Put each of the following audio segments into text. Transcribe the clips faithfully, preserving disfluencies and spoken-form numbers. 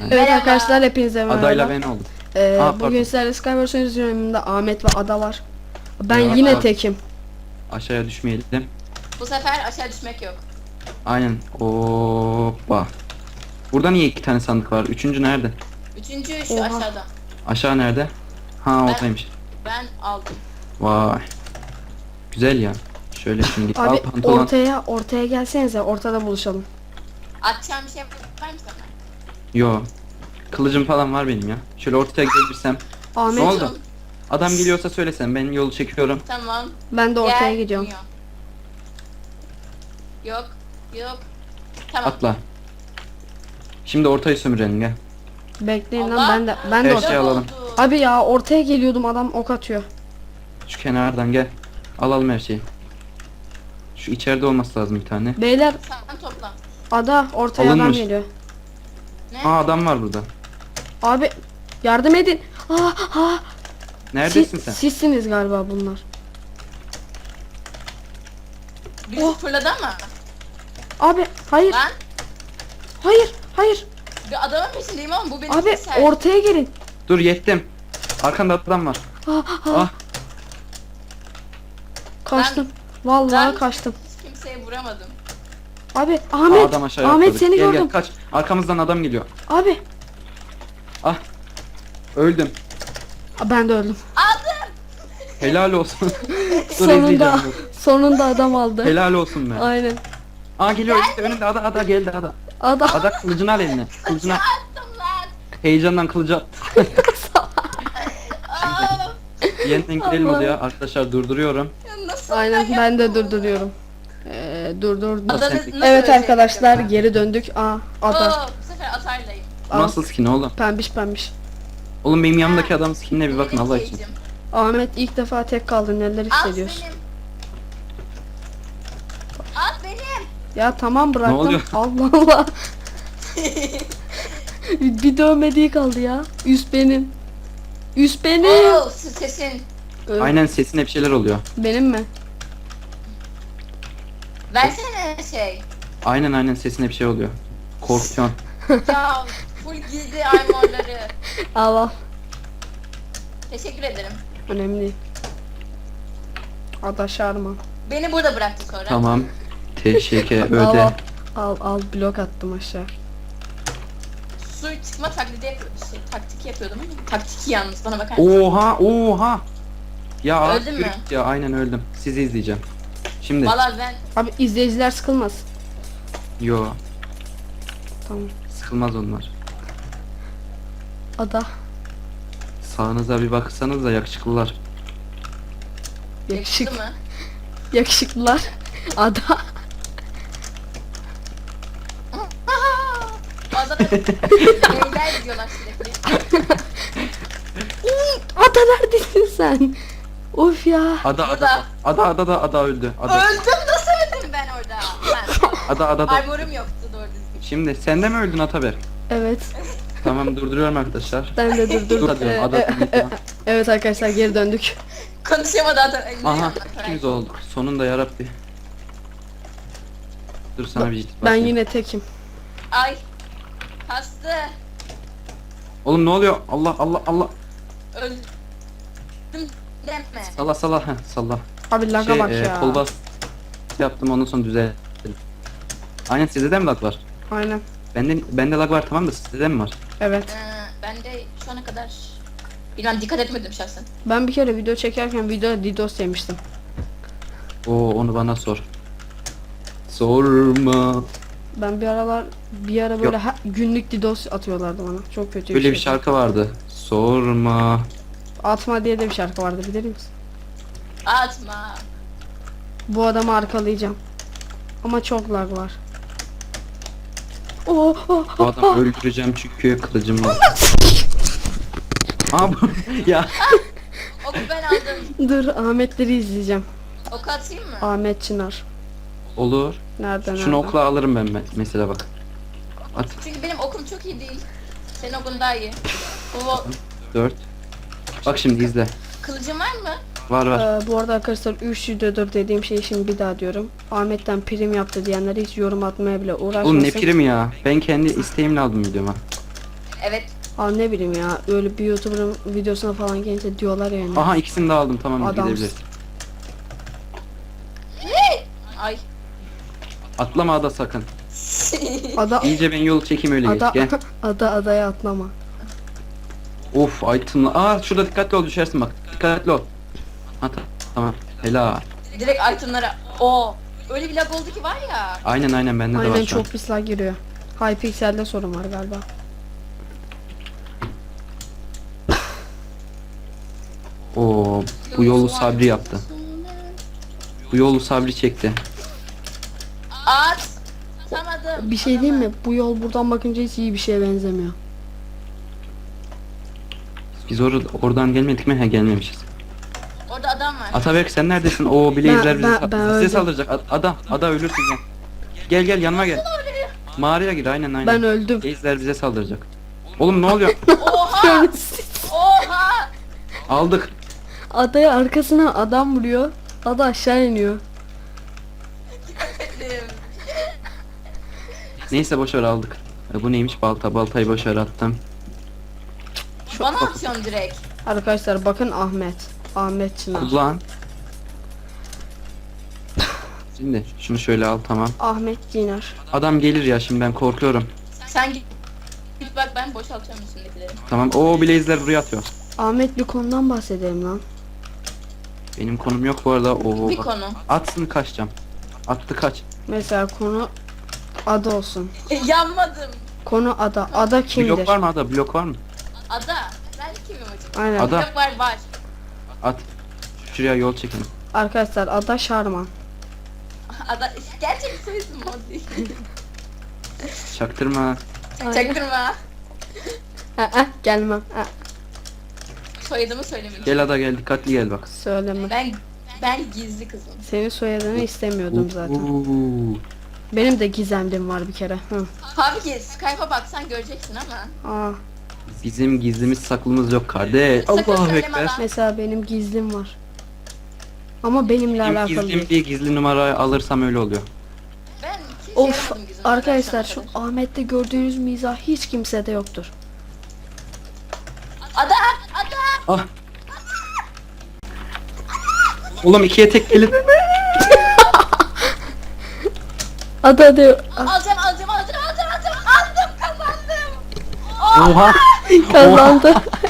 Evet Merhaba. arkadaşlar hepinize merhaba. Adayla ben oldum. Ee, Aa, bugün pardon. sizlerle Skywars oynuyoruz. Ahmet ve Ada var. Ben Merhaba. yine tekim. Aşağıya düşmeyelim. Bu sefer aşağı düşmek yok. Aynen. Hoppa. Burada niye iki tane sandık var? Üçüncü nerede? Üçüncü şu Oha. aşağıda. Aşağı nerede? Ha Ben- ortaymış. Ben aldım. Vay. Güzel ya. Şöyle şimdi al Abi pantolon. ortaya ortaya gelsenize, ortada buluşalım. Atacağım bir şey var mı sana? Yo. Kılıcım falan var benim ya. Şöyle ortaya gelirsem. Ahmet, Ne oldu? Adam geliyorsa söylesen, ben yolu çekiyorum. Tamam. ben de ortaya Gel. gidiyorum. Yok. Yok. Tamam. Atla. Şimdi ortayı sömürelim gel. Bekleyin Allah. lan, ben de ben de Her ortaya. şey alalım. oldu. Abi ya ortaya geliyordum, adam ok atıyor. Şu kenardan gel. Alalım her şeyi. Şu içeride olması lazım bir tane. Beyler, Sen topla. Ada ortaya adam Alınmış. geliyor. Ne? Aa adam var burada. Abi yardım edin. Aa, aa. Neredesin Siz- sen? Sizsiniz galiba bunlar. Birisi Oh. fırladı ama. Abi hayır Lan. hayır hayır. Bir adamın peşindeyim ama bu benim Abi keser. ortaya gelin. Dur yettim. Arkanda adam var. Ah, ah. Ah. Kaçtım. Vallahi Ben kaçtım. hiç kimseye vuramadım. Abi Aa, Ahmet, adam aşağıya Ahmet atladı. seni Gel, gördüm. Gel, kaç. Arkamızdan adam geliyor. Abi Ah. Öldüm. Aa, ben de öldüm. Aldım. Helal olsun. Dur Sonunda izleyeceğim dur. sonunda adam aldı. Helal olsun be. Aynen. Aa geliyor işte önünde ada ada geldi ada. Adam Ada kılıcını al eline. Kılıcını al. Attım lan. Heyecandan kılıcı at. Aa, Yeniden gidelim Allah. odaya. Arkadaşlar durduruyorum. ya nasıl aynen ben ben de yaptım? durduruyorum. Ee, dur dur. dur. Adanız Evet nasıl Evet ölecek arkadaşlar acaba? geri döndük. Aa ada. Oo, bu sefer atarlayım. Aa, Nasıl skin oğlum? pembiş pembiş. Oğlum benim yanımdaki adamın skinine bir bakın Benim Allah için. cage'im. Ahmet ilk defa tek kaldın, neler At hissediyorsun? benim. At benim. Ya tamam bıraktım. oluyor? Allah Allah. bir bir dövmediği kaldı ya. Üst benim. Üst benim. Oo, sesin. Ee, Aynen sesine bir şeyler oluyor. Benim mi? Versene şey. Aynen aynen sesine bir şey oluyor. Korkuyorsun. Ya full giydi armorları. Allah. Teşekkür ederim. Önemli değil. Ada şarma. Beni burada bıraktı sonra. Tamam. Teşekkür Al, öde. al, al al blok attım aşağı. Su çıkma taklidi yapıyor, şey, taktik yapıyordum ama taktik yalnız bana bakar mısın? Oha oha. Ya Öldün mü? yürü git ya aynen öldüm. Sizi izleyeceğim. Şimdi. Valla ben Abi izleyiciler sıkılmaz. Yo. Tamam. Sıkılmaz onlar. Ada. Sağınıza bir baksanız da yakışıklılar. Yakışık. yakıştı mı? Yakışıklılar. Ada. Adana beyler diyorlar sürekli. Ada neredesin sen? Of ya. Ada Burada. ada ada ada da ada öldü. Ada Öldüm, nasıl öldüm ben orada? Ben, ada ada da. armorum yoktu doğru düzgün. Şimdi sen de mi öldün Ataberk? Evet. Tamam durduruyorum arkadaşlar. Ben de Dur durdurdum. hadi Ee, ada. e- e- evet arkadaşlar geri döndük. Konuşamadı adam. Ay, ne Aha anlatıyor? ikimiz olduk. Sonunda yarabbi. Dur sana bir ciddi Ben bakayım. yine tekim. Ay. Hastı. Oğlum ne oluyor? Allah Allah Allah. Öldüm. Deme. Salla salla heh, salla. Abi laga Şey, bak e, ya. kol bas yaptım ondan sonra düzelttim. Aynen sizde de mi lag var? Aynen. Bende bende lag var tamam da sizde de mi var? Evet. Ee, ben de şu ana kadar bilmem dikkat etmedim şahsen. Ben bir kere video çekerken video DDoS yemiştim. Oo onu bana sor. Sorma. Ben bir aralar bir ara böyle ha- günlük DDoS atıyorlardı bana. Çok kötü Böyle bir şey. şarkı vardı. Sorma. Atma diye de bir şarkı vardı, bilir misin? Atma. Bu adamı arkalayacağım. Ama çok lag var. Oh, oh, Bu oh, adamı oh. öldüreceğim çünkü kılıcım var. Aa bu ya. Oku ben aldım. Dur, Ahmetleri izleyeceğim. Oku atayım mı? Ahmet Çınar. Olur. Nereden Şunu okla alırım ben me- mesela bak. At. Çünkü benim okum çok iyi değil. Senin okun daha iyi. Bu dört. Bak şimdi izle. kılıcın var mı? Var var. Ee, bu arada arkadaşlar üç videodur dediğim şeyi şimdi bir daha diyorum. Ahmet'ten prim yaptı diyenler hiç yorum atmaya bile uğraşmasın. Oğlum ne prim ya. Ben kendi isteğimle aldım videoma. Evet. Aa ne bileyim ya, öyle bir YouTuber'ın videosuna falan gelince diyorlar yani. Aha ikisini de aldım, tamam Adamsın. gidebiliriz. Ay. Atlama ada sakın. Ada İyice ben yol çekeyim öyle geç ada gel. ada adaya atlama. Of itemla. Aa şurada dikkatli ol, düşersin bak. Dikkatli ol. Ha ta- tamam. Helal. Direkt itemlara. Oo. Öyle bir lag oldu ki var ya. Aynen aynen bende de var Aynen şu an. çok pis lag giriyor. Hypixel'de sorun var galiba. Oo bu yolu Sabri yaptı. Bu yolu Sabri çekti. At. Atamadım. Bir şey diyeyim mi? Bu yol buradan bakınca hiç iyi bir şeye benzemiyor. Biz or oradan gelmedik mi? He gelmemişiz. Orada adam var. Ataberk sen neredesin? Oo Blazer Ben- bizi, ben- sa- ben bize öldüm. saldıracak. A- Ada, ada ölürsün gel. Gel gel yanıma gel. Mağaraya gir aynen aynen. Ben öldüm. Blazer bize saldıracak. Oğlum ne oluyor? Oha. Oha. Aldık. Adaya arkasına adam vuruyor. Ada aşağı iniyor. Neyse boşver aldık. E, bu neymiş balta? Baltayı boşver attım. Bana atıyorsun direkt. Arkadaşlar bakın Ahmet. Ahmet Çınar. Kullan. Şimdi şunu şöyle al tamam. Ahmet Çınar. Adam gelir ya şimdi ben korkuyorum. Sen git. Git bak ben boşaltıyorum üstündekileri. Tamam. Oo Blazer buraya atıyor. Ahmet bir konudan bahsedelim lan. Benim konum yok bu arada. Oo Bir bak. konu. Atsın kaçacağım. Attı kaç. Mesela konu ada olsun. E, yanmadım. Konu ada. Ada kimdir? Blok var mı ada? Blok var mı? Ada. Ben kimim hocam? Aynen. Ada. Yok var var. At. Şuraya yol çekin. Arkadaşlar ada Şarman. Ada. Gerçek soyisim o değil. Çaktırma. Çaktırma. Aa, gelmem. Aa, Soyadımı söylemeyeceğim. Gel ada gel dikkatli gel bak. söyleme. Ben ben gizli kızım. Senin soyadını istemiyordum zaten. Oo. Benim de gizemlim var bir kere. Hı. Tabii ki Skype'a baksan göreceksin ama. Aa, Bizim gizlimiz saklımız yok kardeş. Sakın Allahu söyleme ekber. lan. mesela benim gizlim var. Ama benimle Benim alakalı gizlim değil. diye gizli numarayı alırsam öyle oluyor. Ben kimseye Of yaramadım gizli arkadaşlar numarayı şu açana kadar. Ahmet'te gördüğünüz mizah hiç kimsede yoktur. Ada! Ada! Ah. Oğlum ikiye tek gelin. Ada ada. Alacağım alacağım alacağım alacağım alacağım. Aldım kazandım. Oh! Oha. Kazandı.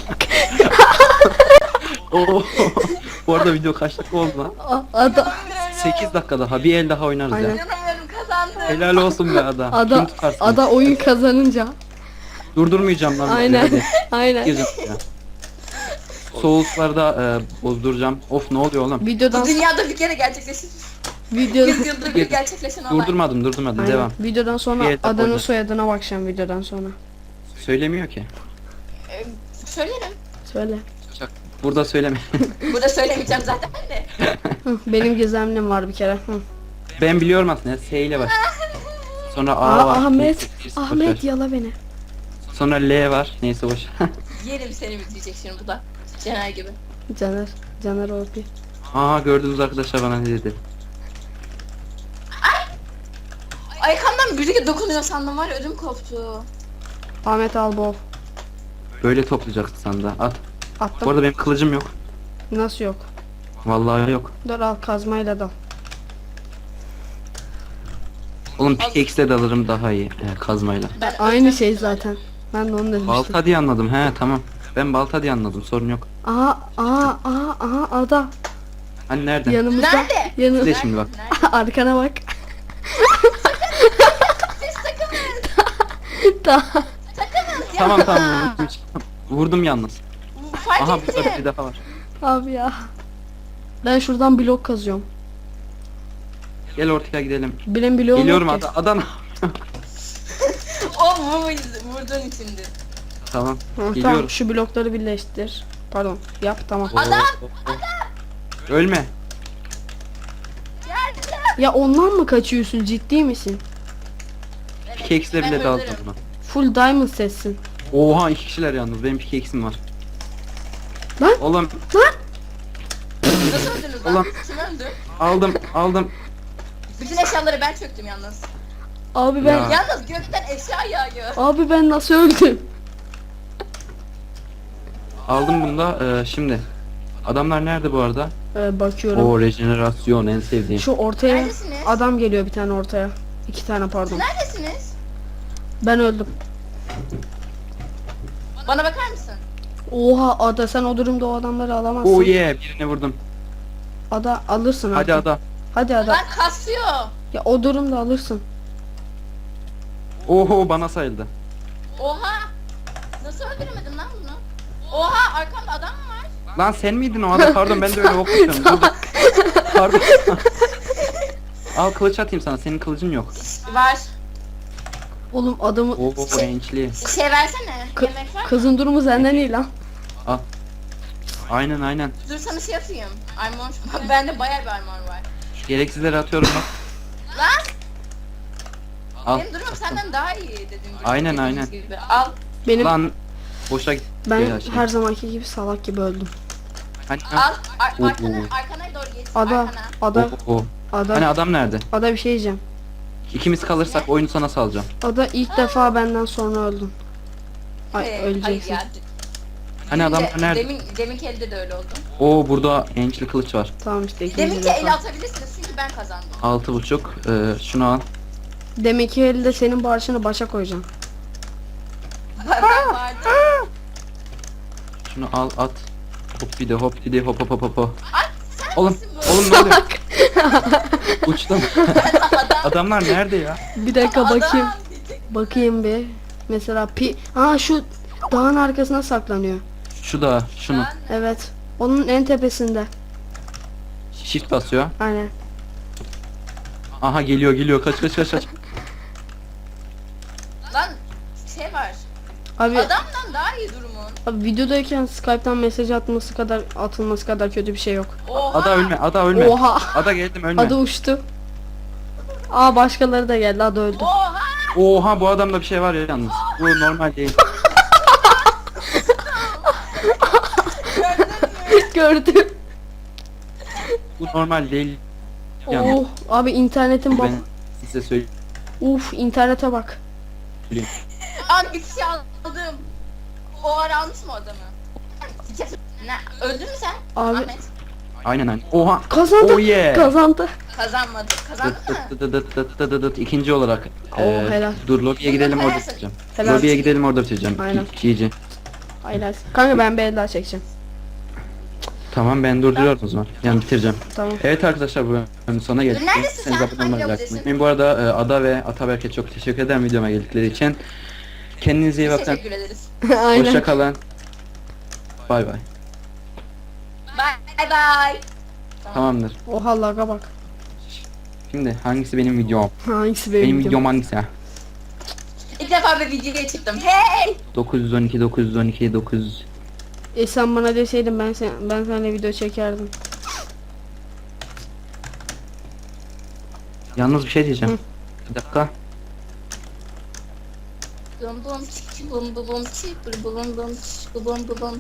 Oo. Bu arada video kaç dakika oldu lan? A- ada sekiz dakika daha. Bir el daha oynarız Aynen. ya. İnanamıyorum kazandım. Helal olsun be ada. Kim ada tutarsın? ada oyun kazanınca. Durdurmayacağım lan. Aynen. Hadi. Aynen. Gireceğim ya. Soğuklarda e, bozduracağım. Of ne oluyor oğlum? Videodan Bu dünyada bir kere gerçekleşir. videodan Yüz yılda bir gerçekleşen olay. Durdurmadım durdurmadım Aynen. devam. Videodan sonra Bir el daha adanın koyacağız. soyadına bakacağım videodan sonra. Söylemiyor ki. Ee, Söylerim. Söyle. Çak. Burada söyleme. Burada söylemeyeceğim zaten de. Hı, benim gizemlim var bir kere. Hı. Ben biliyorum aslında. S ile baş. Sonra A Aa, var. Ahmet, Neyse, boş Ahmet ver. yala beni. Sonra L var. Neyse boş. Yerim seni bitirecek şimdi bu da. Cener gibi. Caner, Caner O P. Aa gördünüz arkadaşlar bana ne dedi. Aykan'dan biri dokunuyor sandım var ya ödüm koptu. Ahmet Albov. Böyle toplayacaksın sen de. At. Bu Attım. arada benim kılıcım yok. Nasıl yok? Vallahi yok. Dur al kazmayla dal. Oğlum pickaxe'le de alırım daha iyi. He, kazmayla. Ben Aynı öleceğim şey şimdi. zaten. Ben de onu demiştim. Balta diye anladım. He tamam. Ben balta diye anladım. Sorun yok. Aa, aa, aa, aa, ada. Hani nereden? Yanımızda. Nerede? Bir Yanı de şimdi bak. Nerede? arkana bak. Siz takımız. Daha. Takımız ya. Tamam tamam. vurdum. Vurdum yalnız. Fark Aha ettim. burada bir daha var. Abi ya. Ben şuradan blok kazıyorum. Gel ortaya gidelim. Benim bloğum Geliyorum yok ki. Ada Adana. O bu vurduğun içindi. Tamam. Hı, tamam Geliyorum. şu blokları birleştir. Pardon yap tamam. Adam! Oo, oo. Ölme. Ya ondan mı kaçıyorsun, ciddi misin? Pickaxe'le Ben bile daldım öldürürüm. buna. Full diamond sessin. Oha iki kişiler yalnız. Benim pickaxe'im var. Lan! Oğlum Nasıl öldünüz lan? Ulan. Kim öldü? aldım aldım. Bütün eşyaları ben çöktüm yalnız. Abi ben Ya. Yalnız gökten eşya yağıyor. abi ben nasıl öldüm? Aldım bunu da. Ee, şimdi. Adamlar nerede bu arada? Ee, bakıyorum. O rejenerasyon en sevdiğim. Şu ortaya Neredesiniz? adam geliyor bir tane ortaya. İki tane pardon. Neredesiniz? Ben öldüm. Bana bakar mısın? Oha Ada, sen o durumda o adamları alamazsın. Oh yeah, birini vurdum. Ada alırsın Hadi artık. Ada. Hadi Ada. Lan kasıyor. Ya o durumda alırsın. Oho, bana sayıldı. Oha. Nasıl öldüremedim lan bunu? Oha, arkamda adam mı var? Lan sen miydin o Ada? Pardon, ben de öyle okuyacağım. Dur, dur. Pardon. Al, kılıç atayım sana. Senin kılıcın yok. Var. Oğlum adamı Oo, gençliği. Şey versene. Kı- Yemek var mı? kızın durumu senden iyi lan. Al. Aynen aynen. Dur sana şey atayım. Armor. Bak bende bayağı bir armor var. Gereksizleri atıyorum bak. Lan Al. benim durumum senden daha iyi dediğim gibi. Aynen, dediğimiz aynen. Gibi. Al. Benim Lan boşa git. ben Ya şey. her zamanki gibi salak gibi öldüm. Hani, Al. Ar Oo. arkana, arkana doğru geç. Ada, Arkana. ada, Oo, oo. ada, Hani adam nerede? ada bir şey diyeceğim. İkimiz kalırsak oyunu sana salacağım. Ada ilk defa benden sonra öldün. Ay Ee, öleceksin. hayır ya. Hani Demin adamlar de- nerede? Demin, deminki elde de öyle oldu. Oo, burada ençli kılıç var. Tamam işte ikinci Deminki el defa. atabilirsiniz çünkü ben kazandım. Altı buçuk. Ee, şunu al. Demek ki elde senin bağışını başa koyacağım. Ben ben vardım. Şunu al, at. Hop bir de hop bir de hop hop hop hop hop. Ay sen Oğlum, misin bu? oğlum ne oluyor? Uçtum. Adam. Adamlar nerede ya? Bir dakika Adam. bakayım. Bakayım bir. Mesela pi... Aa şu dağın arkasına saklanıyor. Şu da, şunu. Lan, Evet. Onun en tepesinde. Shift basıyor. Aynen. Aha, geliyor geliyor. Kaç kaç kaç kaç. lan şey var. Abi, Adamdan daha iyi durumun. abi videodayken Skype'tan mesaj atması kadar atılması kadar kötü bir şey yok. Oha. Ada ölme, ada ölme. Oha. Ada geldim, ölme. Ada uçtu. Aa başkaları da geldi. Ada öldü. Oha. Oha, bu adamda bir şey var ya yalnız. Bu normal değil. Gördüm. Bu normal değil. Yalnız. Oh abi internetin bak. Ben size söyleyeyim. Uf internete bak. Abi bir şey aldım. O ara almış mı o adamı? Ne? Öldün mü sen? Abi- Ahmet. Aynen aynen. Oha. Kazandı. Oh yeah. Kazandı. Kazanmadı. Kazandın Dıt mı? dıt dıt dıt dıt dıt dıt dıt. İkinci olarak. Oo, Ee, helal. Dur, lobiye gidelim, orada bitireceğim. Helal. Lobiye gidelim, orada bitireceğim. Aynen. G G. Aynen. Kanka ben bir el daha çekeceğim. Tamam, ben durduruyorum o zaman. Yani bitireceğim. Tamam. Evet arkadaşlar, bu bölümün sonuna geldik. Neredesin Seniz sen? abone Hangi olmayı lobidesin? unutmayın. Bu arada e, Ada ve Ataberk'e çok teşekkür ederim videoma geldikleri için. Kendinize iyi bakın. Teşekkür ederiz. Aynen. Hoşça kalın. Bay bay. Bye bye. Tamamdır. Oha laga bak. Şimdi hangisi benim videom? Hangisi benim, Benim videom? videom hangisi ha? İlk defa bir videoya çıktım. Hey! dokuz yüz on iki dokuz yüz on iki dokuz yüz. E sen bana deseydin ben sen ben seninle video çekerdim. Yalnız bir şey diyeceğim. Bir dakika. Bum bum çik bum bum bum çik bum bum bum çik bum bum bum.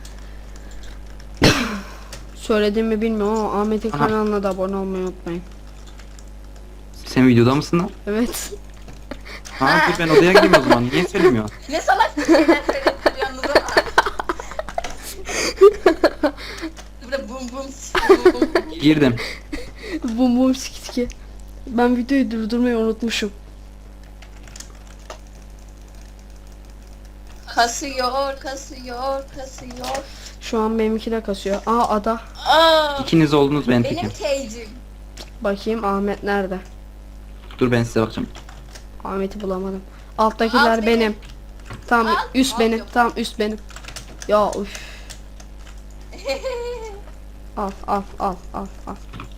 Söyledim mi bilmiyorum ama Ahmet'in Aha. kanalına da abone olmayı unutmayın. Sen videoda mısın lan? Evet. Ha, dur ben odaya gideyim o zaman. Niye söylemiyorsun? Ne salak bir şeyler söyledim yalnız ama. Burada bum bum çik bum bum. Girdim. Bum bum sikitki. Ben videoyu durdurmayı unutmuşum. Kasıyor, kasıyor, kasıyor. Şu an benimki de kasıyor. Aa ada. Aa, İkiniz oldunuz, ben benim tekim. teycim. Bakayım Ahmet nerede? Dur, ben size bakacağım. Ahmet'i bulamadım. Alttakiler Alt benim. benim. Tamam Alt, üst alt benim. yok. Tamam üst benim. Ya üf. Al al al al al.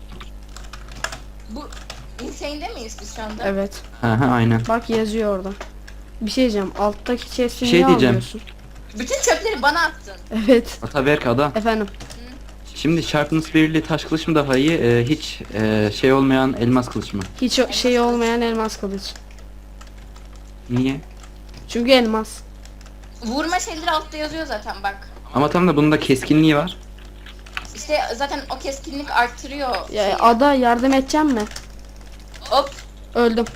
Bu Insane'de miyiz biz şu anda? Evet. Ha ha, aynen. Bak yazıyor orada. Bir şey diyeceğim. Alttaki chest'i Bir şey niye diyeceğim. almıyorsun? Bütün çöpleri bana attın. Evet. Ataberk, Ada. Efendim. Şimdi Sharpness birli taş kılıç mı daha iyi? e, hiç e, şey olmayan elmas kılıç mı? Hiç o- şey olmayan elmas kılıç. Niye? Çünkü elmas. Vurma şeyleri altta yazıyor zaten bak. Ama tam da bunda keskinliği var. İşte zaten o keskinlik arttırıyor. Ya şeyi. ada yardım edeceğim mi? Hop, Öldüm.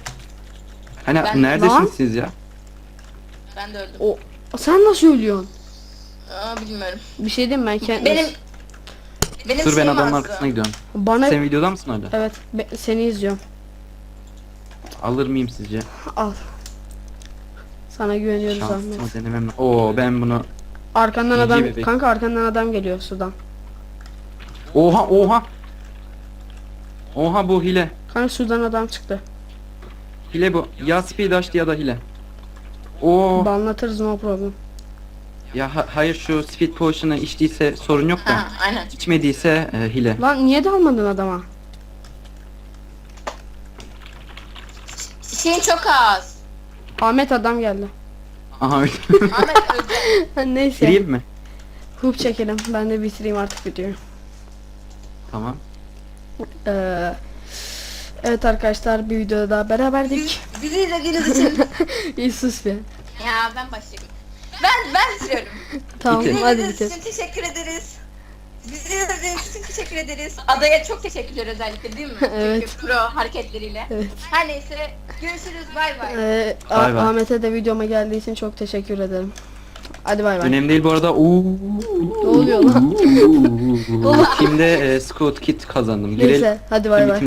Hani Ben- neredesiniz Lan. siz ya? ben de öldüm. O sen nasıl ölüyorsun? Aa, bilmiyorum. Bir şey diyeyim ben kendim. Benim benim Dur ben şeyim adamın azdı. arkasına gidiyorum. Bana Sen videoda mısın orada? evet be- seni izliyorum. Alır mıyım sizce? Al. Sana güveniyoruz Ahmet. Şansımı denemem. Oo ben bunu. Arkandan İyi adam bebek. kanka arkandan adam geliyor sudan. Oha oha. Oha bu hile. Kanka sudan adam çıktı. Hile bu. Ya speed açtı ya da hile. Oo. Banlatırız no problem. Ya ha- hayır şu speed potion'ı içtiyse sorun yok da. Ha, aynen. İçmediyse e, hile. Lan niye dalmadın adama? Şeyin çok az. Ahmet adam geldi. Aha öyle. Ahmet öldü. Neyse. Gireyim mi? Hoop çekelim. Ben de bitireyim artık videoyu. Tamam. Ee, evet arkadaşlar bir videoda daha beraberdik. Bizi izlediğiniz için. İyi sus be. Ya ben başlayayım. Ben ben bitiriyorum. Tamam Bitir. hadi İzlediğiniz bitir. için teşekkür ederiz. Bizi izlediğiniz için teşekkür ederiz. Adaya çok teşekkürler özellikle değil mi? Evet. Çünkü pro hareketleriyle. Evet. Her neyse görüşürüz bay bay. Ee, Bay Ah- bay. Ahmet'e de videoma geldiği için çok teşekkür ederim. Hadi bay bay. Önemli değil bu arada. Oo. Ne oluyor lan? Kimde e, Scout Kit kazandım. Girelim. Neyse hadi bay bay.